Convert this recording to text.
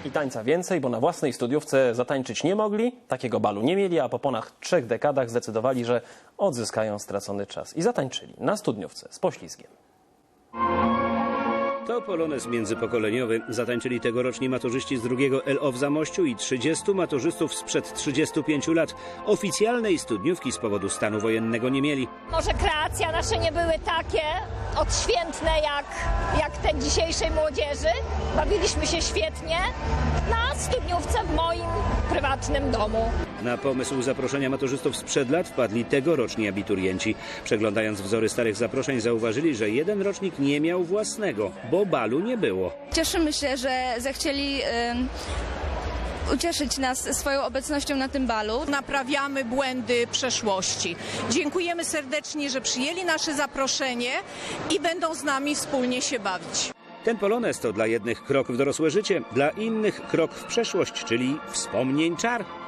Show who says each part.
Speaker 1: i tańca więcej, bo na własnej studiówce zatańczyć nie mogli, takiego balu nie mieli, a po ponad 3 dekadach zdecydowali, że odzyskają stracony czas. I zatańczyli na studniówce z poślizgiem.
Speaker 2: To polonez międzypokoleniowy. Zatańczyli tegoroczni maturzyści z drugiego LO w Zamościu i 30 maturzystów sprzed 35 lat. Oficjalnej studniówki z powodu stanu wojennego nie mieli.
Speaker 3: Może kreacje nasze nie były takie odświętne jak te dzisiejszej młodzieży. Bawiliśmy się świetnie na studniówce w moim prywatnym domu.
Speaker 2: Na pomysł zaproszenia maturzystów sprzed lat wpadli tegoroczni abiturienci. Przeglądając wzory starych zaproszeń zauważyli, że jeden rocznik nie miał własnego, bo balu nie było.
Speaker 4: Cieszymy się, że zechcieli ucieszyć nas swoją obecnością na tym balu.
Speaker 5: Naprawiamy błędy przeszłości. Dziękujemy serdecznie, że przyjęli nasze zaproszenie i będą z nami wspólnie się bawić.
Speaker 2: Ten polonez to dla jednych krok w dorosłe życie, dla innych krok w przeszłość, czyli wspomnień czar.